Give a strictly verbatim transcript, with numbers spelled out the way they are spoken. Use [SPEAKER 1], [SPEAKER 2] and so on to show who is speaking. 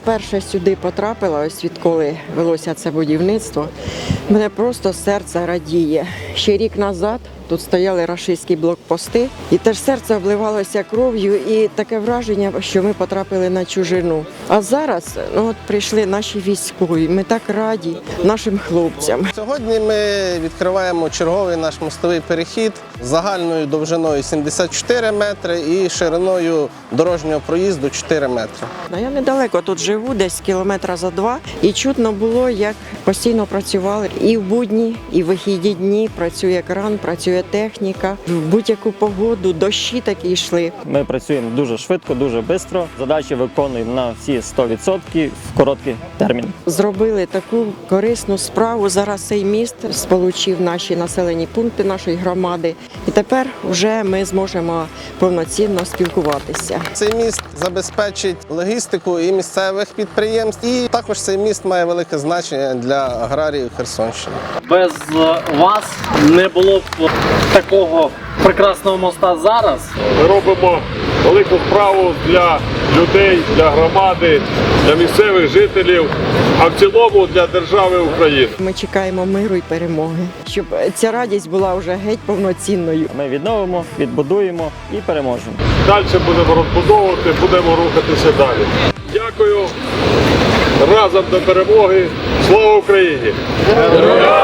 [SPEAKER 1] вперше сюди потрапила, ось відколи велося це будівництво, мене просто серце радіє. Ще рік назад тут стояли рашистські блокпости, і теж серце обливалося кров'ю, і таке враження, що ми потрапили на чужину. А зараз ну, от прийшли наші військові, ми так раді нашим хлопцям.
[SPEAKER 2] Сьогодні ми відкриваємо черговий наш мостовий перехід з загальною довжиною сімдесят чотири метри і шириною дорожнього проїзду чотири метри.
[SPEAKER 1] Я недалеко тут живу, десь кілометра за два, і чутно було, як постійно працювали. І в будні, і в вихідні дні працює кран, працює техніка. В будь-яку погоду, дощі такі йшли.
[SPEAKER 3] Ми працюємо дуже швидко, дуже швидко. Задачі виконуємо на всі сто відсотків в короткий термін.
[SPEAKER 1] Зробили таку корисну справу. Зараз цей міст сполучив наші населені пункти нашої громади. І тепер вже ми зможемо повноцінно спілкуватися.
[SPEAKER 2] Цей міст забезпечить логістику і місцевих підприємств, і також цей міст має велике значення для аграріїв Херсонщини.
[SPEAKER 4] Без вас не було б такого прекрасного моста зараз.
[SPEAKER 5] Ми робимо велику справу для людей, для громади, для місцевих жителів, а в цілому для держави України.
[SPEAKER 1] Ми чекаємо миру і перемоги, щоб ця радість була вже геть повноцінною.
[SPEAKER 3] Ми відновимо, відбудуємо і переможемо.
[SPEAKER 5] Далі будемо розбудовувати, будемо рухатися далі. Дякую. Разом до перемоги. Слава Україні!